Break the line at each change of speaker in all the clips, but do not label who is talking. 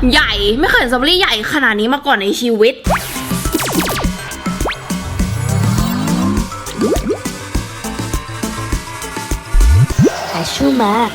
ใหญ่ไม่เคยเห็นสตรอเบอรี่ใหญ่ขนาดนี้มาก่อนในชีวิต
แต่ชูมาก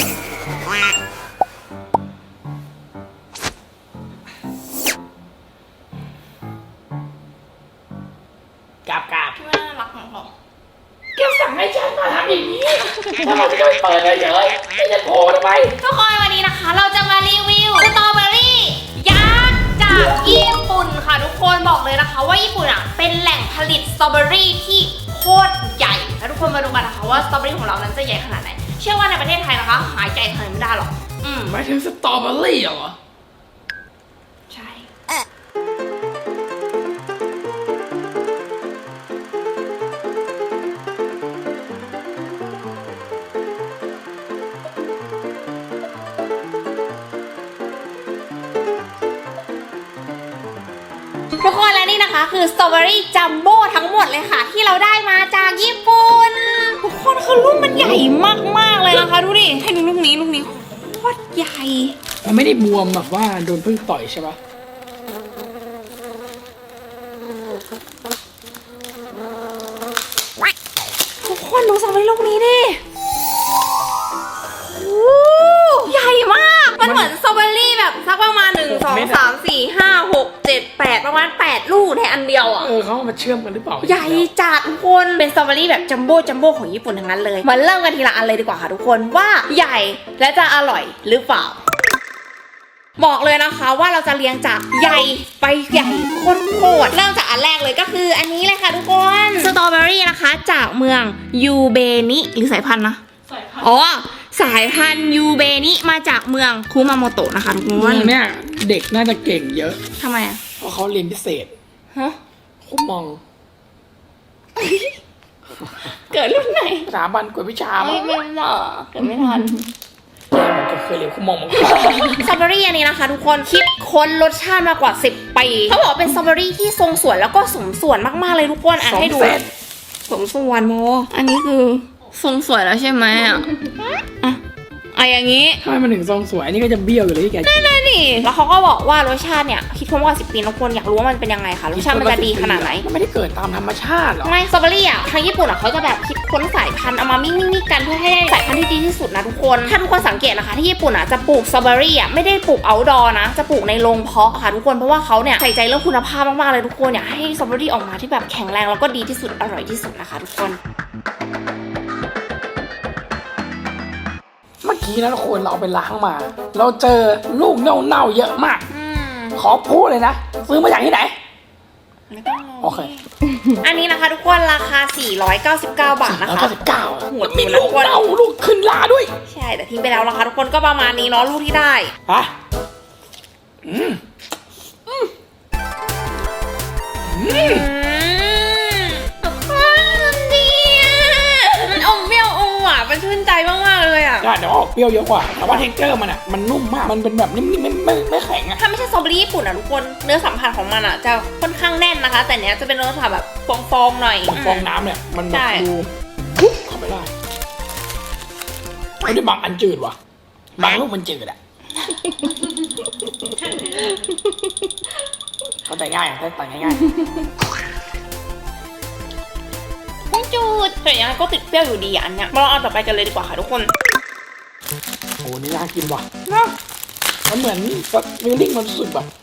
น่ารักของเขา
แกสั่งให้ฉันมาทำอย่างนี้ถ้าเราจะไปเปิดเลยเฉยไม่จะโผล่ทำไม
ทุกคนวันนี้นะคะเราจะมารีวิวสตรอเบอรี่ยักษ์จากญี่ปุ่นค่ะทุกคนบอกเลยนะคะว่าญี่ปุ่นอ่ะเป็นแหล่งผลิตสตรอเบอรี่ที่โคตรใหญ่แล้วทุกคนมาดูกันนะคะว่าสตรอเบอรี่ของเรานั้นจะใหญ่ขนาดไหนเชื่อว่าในประเทศไทยนะคะหายใจขนาดไม่ได้หรอก
หมายถึงสตรอเบอรี่เหรอ
ใช่ทุกคนและนี่นะคะคือสตรอเบอรี่จัมโบ้ทั้งหมดเลยค่ะที่เราได้มาจากญี่ปุ่นทุกคนคือลูกมันใหญ่มากๆเลยนะคะดูดิให้ดูลูกนี้โคตรใหญ่
มันไม่ได้บวมแบบว่าโดนพึ่งต่อยใช่ปะ
ทุกคนดูสตรอเบอรี่ลูกนี้ดิโอ้ใหญ่มากมันเหมือนสตรอเบอรี่แบบสักประมาณ1 2 3 4 5 6 7 8ประมาณ8ลูกในอันเดียวอ่ะ
เขาเอามาเชื่อมกันหรือเปล่า
ใหญ่จัดทุกคนเป็นสตรอเบอรี่แบบจัมโบ้ของญี่ปุ่นทั้งนั้นเลยมาเริ่มกันทีละอันเลยดีกว่าค่ะทุกคนว่าใหญ่และจะอร่อยหรือเปล่าบอกเลยนะคะว่าเราจะเรียงจากใหญ่ไปใหญ่โคตรเริ่มจากอันแรกเลยก็คืออันนี้เลยค่ะทุกคนสตรอเบอรี่นะคะจากเมืองยูเบนิหรือสายพันธุ์นะอ๋อสายพันธุ์ยูเบนิมาจากเมืองคุมาโมโตะนะคะทุกคน
เนี่ยเด็กน่าจะเก่งเยอะ
ทำไมอ่ะ
เพราะเขาเรียนพิเศษ
ฮะ
คุมอง
เกิดรุ่นไหน
สถาบันกวดวิชา
ไม่หรอเกิดไม่ทัน
มันก็เคยเรียนคุมองมาก่อน
สตรอเบอรี่อันนี้นะคะทุกคนคิดค้นรสชาติมากว่า10 ปีเขาบอกเป็นสตรอเบอรี่ที่ทรงสวยแล้วก็สมส่วนมากๆเลยทุกคนอ่ะให้ดูสมส่วนโมอันนี้คือทรงสวยแล้วใช่ไหมอ่ะอย่างนี้
ทำไมมันถึงทรงสวยนี่ก็จะเบี้ยวอยู่เลยที่แก
นั่นนี่แล้วเขาก็บอกว่ารสชาติเนี่ยคิดค้นมากว่า10 ปีทุกคนอยากรู้ว่ามันเป็นยังไงคะรสชาติมันจะดีขนาดไหน
มันไม่ได้เกิดตามธรรมชาติหรอ
ไม่สตรอเบอรี่อ่ะทางญี่ปุ่นอ่ะเขาจะแบบคิดค้นสายพันธุ์เอามามิ่งกันเพื่อให้ได้สายพันธุ์ที่ดีที่สุดนะทุกคนถ้าทุกคนสังเกตนะคะที่ญี่ปุ่นอ่ะจะปลูกสตรอเบอรี่อ่ะไม่ได้ปลูกเอาท์ดอร์นะจะปลูกในโรงเพาะค่ะทุกคนเพราะว่าเขาเนี่ยใส่ใจเรื่องคุณภาพมากๆเลยทุกคนอยากให้สตรอเบอรี่ออกมาที่แบบแข็งแรงแล้วก็ดีที่สุดอร่อยที่สุดนะคะทุกคน
เมื่อกี้นะทุกคนเราเอาไปล้างมา เราเจอลูกเน่าๆเยอะมากขอพูดเลยนะซื้อมาจากที่ไหนโอเค
อันนี้นะคะทุกคนราคา499 บาทนะคะ
499มีลูกเน่าลูกขึ้นลาด้วย
ใช่แต่ทิ้งไปแล้วนะคะทุกคนก็ประมาณนี้เนาะลูกที่ได้
ฮะ
มันดีอ่ะมันอมเปรี้ยวอมหวานมันชื่นใจมากๆเลยอ่ะ
เดี๋ยวออกเปรี้ยวเยอะกว่าแต่ว่าเทคเจอร์มันอ่ะมันนุ่มมากมันเป็นแบบนิ่มๆไม่แข็งอ่ะ
ถ้าไม่ใช่สตรอเบอรี่ญี่ปุ่นอ่ะทุกคนเนื้อสัมผัสของมันอ่ะจะค่อนข้างแน่นนะคะแต่เนี้ยจะเป็นเนื้อสัมผัสแบบฟองๆหน่อย
ฟองน้ำเนี่ยมันแบบดูปุ๊บเข้าไปได้ไม่ได้บางอันจืดว่ะบางลูกมันจืดอ่ะเข้าใจง่ายได้ตัดง่าย
ไม่จูดแต่ยังไงก็ติดเปรี้ยวอยู่ดีอันเนี้ยเราเอาต่อไปกันเลยดีกว่าค่ะทุกคน
โอ้นี่น่ากินว่ะมันเหมือนฟีลลิ่งมันรู้สึกแบบ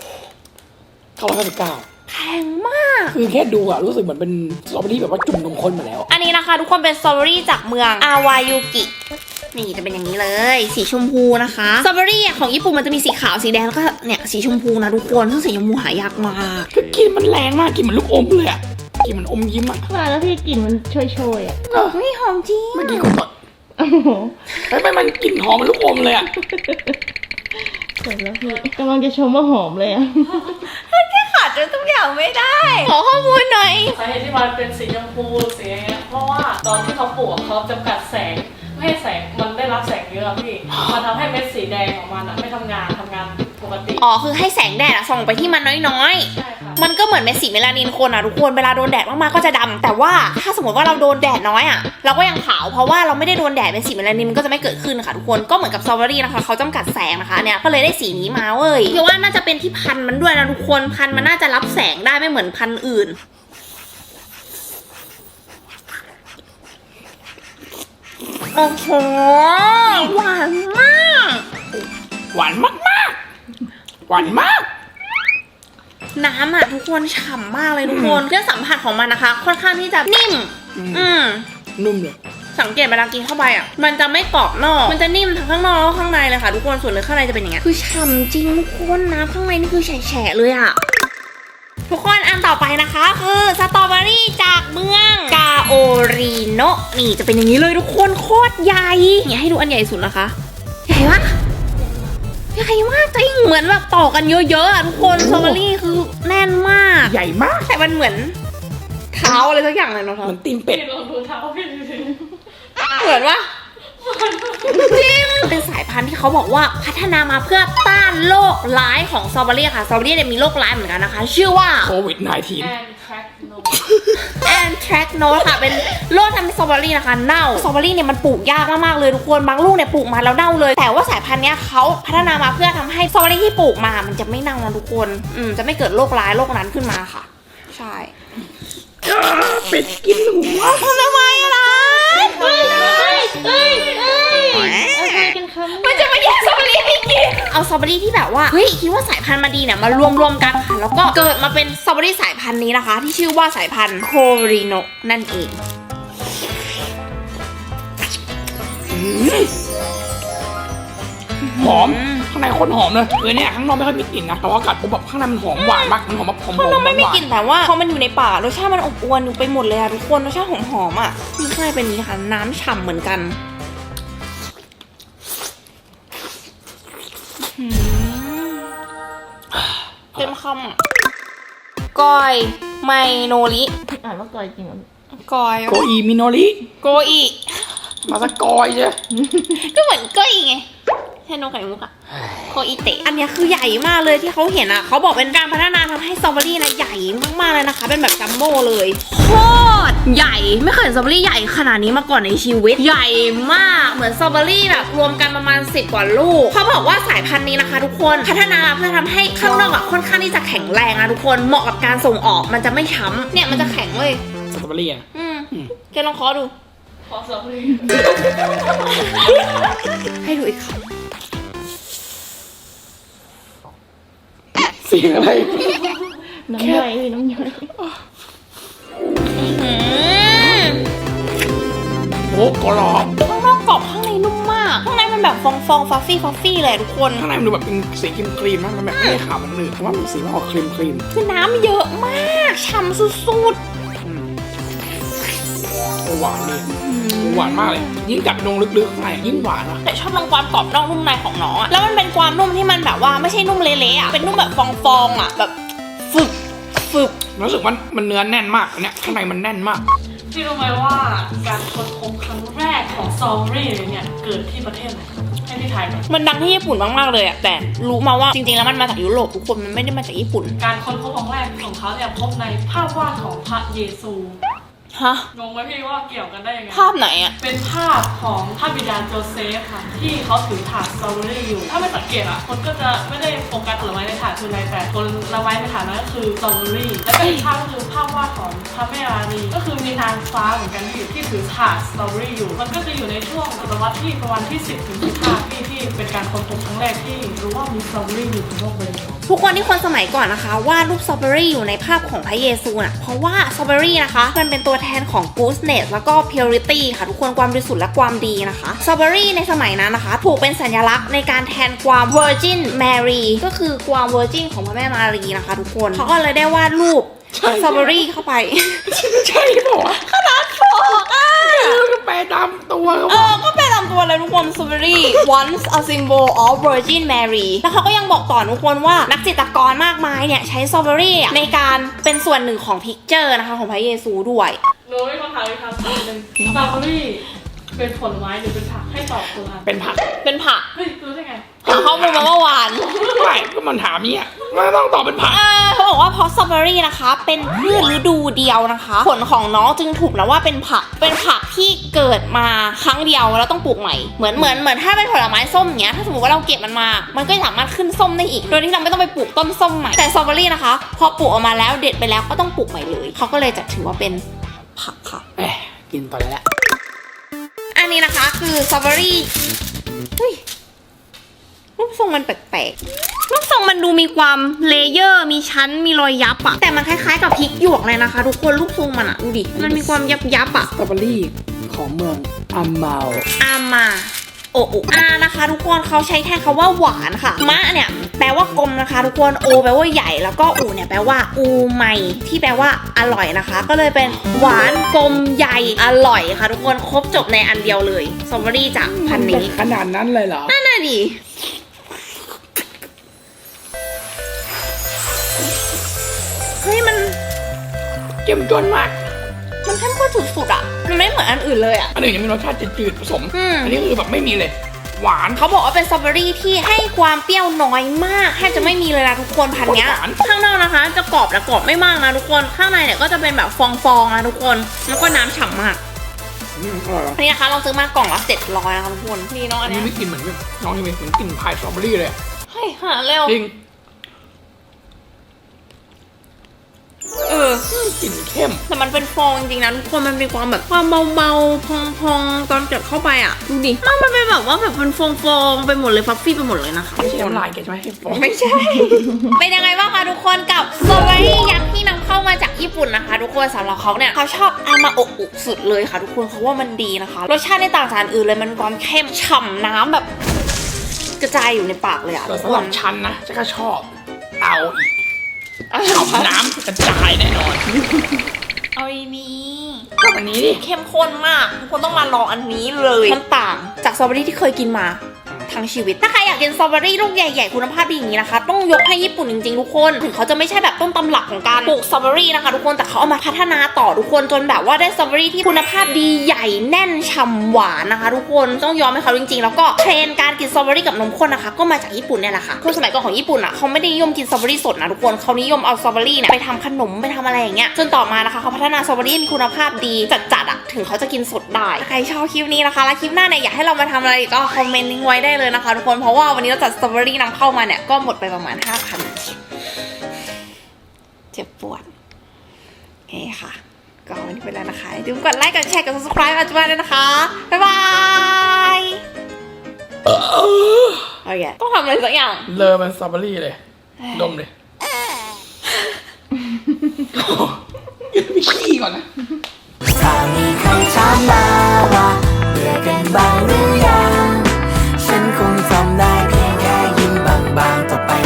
999
แพงมาก
คือแค่ดูอะรู้สึกเหมือนเป็นสตรอเบอรี่แบบว่าจุ่มนมข้นมาแล้ว
อันนี้นะคะทุกคนเป็นสตรอเบอรี่จากเมืองอาวายุกินี่จะเป็นอย่างนี้เลยสีชมพูนะคะสตรอเบอรี่ของญี่ปุ่นมันจะมีสีขาวสีแดงแล้วก็เนี่ยสีชมพูนะทุกคนซึ่งสีชมพูหายากมาก
คือกลิ่นมันแรงมากกลิ่นเหมือนลูกอมเลยอะกลิ่นมันอมยิ้มอะ
ว่าแล้วพี่กลิ่นมันโชยๆอ่ะ
ไม่หอมจริง
เมื่อกี้ก็หมดไม่มันกลิ่นหอมมันลูกอมเลยอะ
เสร็จแล้วพี่กำลังจะชมว่าหอมเลยอ่ะ
แค่ขาดจนทุกอย่างไม่ได้ขอข้อมูลหน่อย
สาเหตุที่มันเป็นสีชมพูสีอย่างเงี้ยเพราะว่าตอนที่เขาปลูกเขาจำกัดแสงไม่ให้แสงมันได้รับแสงเยอะพี่มันทำให้เม็ดสีแดงของมันไม่ทำงานปกติ
คือให้แสงแดดส่องไปที่มันน้อย
ๆใช่ค่ะ
มันก็เหมือนเป็นสีเมลานินคนอะทุกคนเวลาโดนแดดมากๆก็จะดำแต่ว่าถ้าสมมติว่าเราโดนแดดน้อยอะเราก็ยังขาวเพราะว่าเราไม่ได้โดนแดดเป็นสีเมลานินมันก็จะไม่เกิดขึ้นค่ะทุกคนก็เหมือนกับสตรอเบอรี่นะคะเขาจำกัดแสงนะคะเนี่ยก็เลยได้สีนี้มาเว้ยคิดว่าน่าจะเป็นที่พันธุ์มันด้วยนะทุกคนพันธุ์มันน่าจะรับแสงได้ไม่เหมือนพันธุ์อื่นโอ้โหหวานมาก
หวานมากหวานมาก
น้ำอ่ะทุกคนฉ่ำมากเลยทุกคนเครื่องสัมผัสของมันนะคะ ค่อนข้างที่จะนิ่ม
นุ่มเลย
สังเกตเวลากินเข้าไปอ่ะมันจะไม่กรอบนอกมันจะนิ่มทั้งข้างนอกแล้วข้างในเลยค่ะทุกคนส่วนเนื้อข้างในจะเป็นอย่างเงี้ยคือฉ่ำจริงทุกคนน้ำข้างในนี่คือแฉะเลยอ่ะทุกคนอันต่อไปนะคะคือสตรอเบอรี่จากเมืองกาโอริโนะนี่จะเป็นอย่างนี้เลยทุกคนโคตรใหญ่เนี่ยให้ดูอันใหญ่สุดนะคะใหญ่มากใหญ่มากจริงเหมือนแบบต่อกันเยอะๆอ่ะทุกคนสตรอเบอรี่คือแน่นมาก
ใหญ่มาก
แต่มันเหมือนเท้าอะไรสักอย่างเลยเนาะ
มันตีนเป็ด
ลองดูเท้าพี่ดูสิ
เหมือนว่าจริงเป็นสายพันธุ์ที่เขาบอกว่าพัฒนามาเพื่อต้านโรคร้ายของสตรอเบอรี่ค่ะสตรอเบอรี่เนี่ยมีโรคร้ายเหมือนกันนะคะชื่อว่า
โควิด -19
แอนแทรคโนสค่ะเป็นโรคทำให้สตรอเบอรี่นะคะเน่าสตรอเบอรี่เนี่ยมันปลูกยากมากๆเลยทุกคนบางลูกเนี่ยปลูกมาแล้วเน่าเลยแต่ว่าสายพันธุ์เนี้ยเขาพัฒนามาเพื่อทำให้สตรอเบอรี่ที่ปลูกมามันจะไม่เน่านะทุกคนจะไม่เกิดโรคร้ายโรคนั้นขึ้นมาค่ะใช่
เป็ดกินหัว
ทำไมล่ะมันจะมาแย่งสตรอเบอรี่ให้กินเอาสตรอเบอรี่ที่แบบว่าเฮ้ยคิดว่าสายพันธุ์มาดีเนี่ยมารวมกันค่ะแล้วก็เกิดมาเป็นสตรอเบอรี่สายพันธุ์นี้นะคะที่ชื่อว่าสายพันธุ์โคริโนะนั่นเอง
หอมข้างในคนหอมเลยเนี่ยข้างนอกไม่ค่อยมีกลิ่นนะแต่ว่ากัดปุ๊บแบบข้างในมันหอมหวานมากมันหอมแบบหอมข้าง
นอกไม่มีกลิ่นแต่ว่าพอมันอยู่ในปากรสชาติมันอบอวลอยู่ไปหมดเลยอะทุกคนรสชาติหอมๆอะนี่ข้างในเป็นนี้ค่ะน้ำฉ่ำเหมือนกันเต็มคำอะกอยไมโนริ
อ่านว่ากอยจริงเหรอก
อย
โกอีมิโนริ
โกอี
มาสักกอยใช่
ก็เหมือนก้อยไงแทนโนไข่มุกอะโคอิเตะอันนี้คือใหญ่มากเลยที่เขาเห็นอะเขาบอกเป็นการพัฒนาทำให้สตรอเบอรี่นะใหญ่มากๆเลยนะคะเป็นแบบจัมโบ้เลยโคตรใหญ่ไม่เคยเห็นสตรอเบอรี่ใหญ่ขนาดนี้มาก่อนในชีวิตใหญ่มากเหมือนสตรอเบอรี่แบบรวมกันประมาณ10 กว่าลูกเขาบอกว่าสายพันธุ์นี้นะคะทุกคนพัฒนาเพื่อทำให้ข้างนอกอะค่อนข้างที่จะแข็งแรงนะทุกคนเหมาะกับการส่งออกมันจะไม่ช้ำเนี่ยมันจะแข็งเลย
สตรอเบอรี่อะ
แกลองเคาะดู
ขอสตรอเบอรี่
ให้ดูอีกคำ
เสียงอะไร
น้ำย่อยน้ำย่อย
โอ้กรอบ
ข้างนอกกรอบข้างในนุ่มมากข้างในมันแบบฟองฟัฟฟี่เลยทุกคน
ข้างในมันดูแบบเป็นสีครีมนะมันแบบไม่ได้ขาวมันหนืดแต่ว่ามันสีมันออกครีม
คือน้ำเยอะมากฉ่ำสุด
หวานเลยหวานมากเลยยิ่งกัดนงลึกๆข้างในยิ่งหวานอ่ะ
แต่ชอบลองความกรอบนอกนุ่มในของน้องอะแล้วมันเป็นความนุ่มที่มันแบบว่าไม่ใช่นุ่มเละๆอะเป็นนุ่มแบบฟองๆอะแบบฝึก
รู้สึกว่ามันเนื้อแน่นมากเนี่ยข้างในมันแน่นมาก
พี่รู้ไหมว่าการค้นพบครั้งแรกของสตรอเบอรี่เนี่ยเกิดที่ประเทศไหนให้พี่ทายกัน
มันดังที่ญี่ปุ่นมากๆเลยอะแต่รู้มาว่าจริงๆแล้วมันมาจากยุโรปทุกคนมันไม่ได้มาจากญี่ปุ่น
การค้นพบครั้งแรกของเขาเนี่ยพบในภาพวาดของพระเยซู
ฮะ
งงไหมพี่ว่าเกี่ยวกันได้ยังไง
ภาพไหนอะ
เป็นภาพของพระบิดาโจเซฟค่ะที่เขาถือถาดสตรอเบอรี่อยู่ถ้าไม่สังเกตอะคนก็จะไม่ได้โฟกัสผลไม้ในถาดคืออะไรแต่ผลไม้ในถาดนั้นก็คือสตรอเบอรี่และอีกภาพก็คือภาพวาดของพระแม่ราณีก็คือมีนางฟ้าเหมือนกันที่ถือถาดสตรอเบอรี่อยู่มันก็จะอยู่ในช่วงศตวรรษที่ประมาณที่10 ถึง 15ที่เป็นการค้นพบครั้งแรกที่รู้ว่ามีสตรอเบอรี่อยู่บนโลกใบนี้
ทุกคนที่คนสมัยก่อนนะคะวาดรูปสตรอเบอรี่อยู่ในภาพของพระเยซูน่ะเพราะว่าสตรอเบอรี่นะคะมันเป็นตัวแทนของ goodness แล้วก็ purity ค่ะทุกคนความบริสุทธิ์และความดีนะคะสตรอเบอรี่ในสมัยนั้นนะคะถูกเป็นสัญลักษณ์ในการแทนความ virgin Mary ก็คือความ virgin ของพระแม่มารีนะคะทุกคนเขาก็เลยได้วาดรูปสตรอเบอรี่เข้าไป
ใช่ป่ะ
ขนาดโฟก
ก็แปลตามตัว
ก็แปลตามตัวเลยทุกคนสตรอเบอรี่ once a symbol of Virgin Mary แล้วเขาก็ยังบอกต่อทุกคนว่านักจิตรกรมากมายเนี่ยใช้สตรอเบอรี่ในการเป็นส่วนหนึ่งของพิกเจอร์นะคะของพระเยซูด้วย
หนูมีคำถามอีกคำถามหนึ่งสตรอเบอรี่เป็นผลไม้หรือเป็นผักให้ตอบคนละ
เป็นผัก
เป็นผัก
เฮ้ยรู้ได้ไง
หาข้อมูลมาเมื่อวาน
ไม่ก็มันถามเนี่ยมันต้องตอบเป็นผัก
เขาบอกว่าเพราะสตรอเบอรี่นะคะเป็นพืชฤดูเดียวนะคะ ผลของน้องจึงถูกนะว่าเป็นผักที่เกิดมาครั้งเดียวแล้วต้องปลูกใหม่เหมือนถ้าเป็นผลไม้ส้มเนี้ยถ้าสมมติว่าเราเก็บมันมามันก็สามารถขึ้นส้มได้อีกโดยที่เราไม่ต้องไปปลูกต้นส้มใหม่แต่สตรอเบอรี่นะคะพอปลูกออกมาแล้วเด็ดไปแล้วก็ต้องปลูกใหม่เลยเขาก็เลยจะถือว่าเป็นผักค่ะ
กินต่อเลยละ
อันนี้นะคะคือสตรอเบอรี่เฮ้ยรูปทรงมันแปลกๆรูปทรงมันดูมีความเลเยอร์มีชั้นมีรอยยับอะแต่มันคล้ายๆกับพริกหยวกเลยนะคะทุกคนรูปทรงมันอะดูดิมันมีความยับๆอะ
สตรอเบอรี่ของเมืองอัมเมา
อามาโออุนะคะทุกคนเขาใช้แทนคำว่าหวานค่ะมะเนี่ยแปลว่ากลมนะคะทุกคนโอแปลว่าใหญ่แล้วก็อูเนี่ยแปลว่าอูใหม่ที่แปลว่าอร่อยนะคะ ก็เลยเป็นหวานกลมใหญ่อร่อยค่ะทุกคนครบจบในอันเดียวเลยสตรอเบอรี่จากพันธุ์นี้
ขนาดนั้นเลยเหรอ
นั่นน่ะดิเฮ้ยมัน
เจ้มจนมาก
มันเข้มข้นสุดๆอ่ะมันไม่เหมือนอันอื่นเลยอ่ะ
อันอื่นยังมีรสชาติจืดๆผสม
อืม
อันนี้คือแบบไม่มีเลย หวาน
เขาบอกว่าเป็นสตรอเบอรี่ที่ให้ความเปรี้ยวน้อยมากแทบจะไม่มีเลยนะทุกคนพันเนี้ย
หวาน
ข้างนอกนะคะ จะกรอบแต่กรอบไม่มากนะทุกคนข้างในเนี่ยก็จะเป็นแบบฟองๆนะทุกคนแล้วก็น้ำฉ่ำมาก
อร่อย
อันนี้นะคะเราซื้อมากล่องละ700นะคะทุกคนนี่เนาะ
อั
อั
น
น
นี้
เนี้ย
ไม่กินเหมือนน้องยังเหมือนกินพายสตรอเบอรี่เลย
เฮ้ยหาเร็ว
จริง กลิ่นเข้ม
แต่มันเป็นฟองจริงๆนะทุกคนมันมีความแบบความเบาๆพองๆตอนกัดเข้าไปอ่ะดูดิมันเป็นแบบว่าแบบเป็นฟองๆไปหมดเลยฟัฟฟี่ไปหมดเลยนะคะ
ไม่ใช่น้ำลายแกใช่ไหม
ไม่ใช่ เป็นยังไงบ้างคะทุกคนกับสตรอเบอรี่ยักษ์ที่นำเข้ามาจากญี่ปุ่นนะคะ ทุกคนสำหรับเขาเนี่ยเขาชอบอามาโอะอุสุดเลยค่ะทุกคนเขาว่ามันดีนะคะรสชาติในต่างจากอันอื่นเลยมันมีความเข้มฉ่ำน้ำแบบกระจายอยู่ในปากเลยอะ
แต่สำหรับฉันนะฉันก็ชอบเอาอีกฉ่ำน้ำกระจายแน่นอน
เอาดีๆ
ก็อันนี้ดิ
เข้มข้นมากทุกคนต้องมาลองอันนี้เลยมันต่างจากสตรอเบอรี่ที่เคยกินมาทั้งชีวิตถ้าใครอยากกินสตรอเบอรี่ลูกใหญ่ๆคุณภาพดีอย่างนี้นะคะต้องยกให้ญี่ปุ่นจริงๆทุกคนถึงเขาจะไม่ใช่แบบต้นตำรับของการปลูกสตรอเบอรี่นะคะทุกคนแต่เขาเอามาพัฒนาต่อทุกคนจนแบบว่าได้สตรอเบอรี่ที่คุณภาพดีใหญ่แน่นฉ่ำหวานนะคะทุกคนต้องยอมให้เขาจริงๆแล้วก็เทรนด์การกินสตรอเบอรี่กับนมข้นนะคะก็มาจากญี่ปุ่นเนี่ยแหละค่ะคือสมัยก่อนของญี่ปุ่นอ่ะเขาไม่ได้นิยมกินสตรอเบอรี่สดนะทุกคนเขานิยมเอาสตรอเบอรี่เนี่ยไปทำขนมไปทำอะไรอย่างเงี้ยจนต่อมานะคะเขาพัฒนาสตรอเบอรี่มีคุณภาพดีจัดๆอ่ะถึงเขาจะกินสดได้ใครชอบคลิปนี้นะคะแล้วคลิปหน้าเนี่ยอยากให้เรามาทำอะไรอีกก็คอมเมนต์ทิ้งไว้ได้เลยนะคะทุกคนเพราะว่าวันนี้เราจัดสตรอเบอรี่นำเข้ามาเนี่ยก็หมดไปประมาณ 5,000 เจ็บปวดโอเคค่ะก็วันนี้ไปแล้วนะคะอย่าลืมกดไลค์กดแชร์กด subscribe อาจจะมาด้วยนะคะบ๊ายบายโอเคต้องทำอะไรสักอย่าง
เลอมันสตรอเบอรี่เลย ดมเลยกินไปขี้ก่อนนะ
ถ้ามีใครถามมาว่าเบื่อกันบ้างหรือยัง ฉันคงทำได้เพียงแค่ยิ้มบางๆต่อไป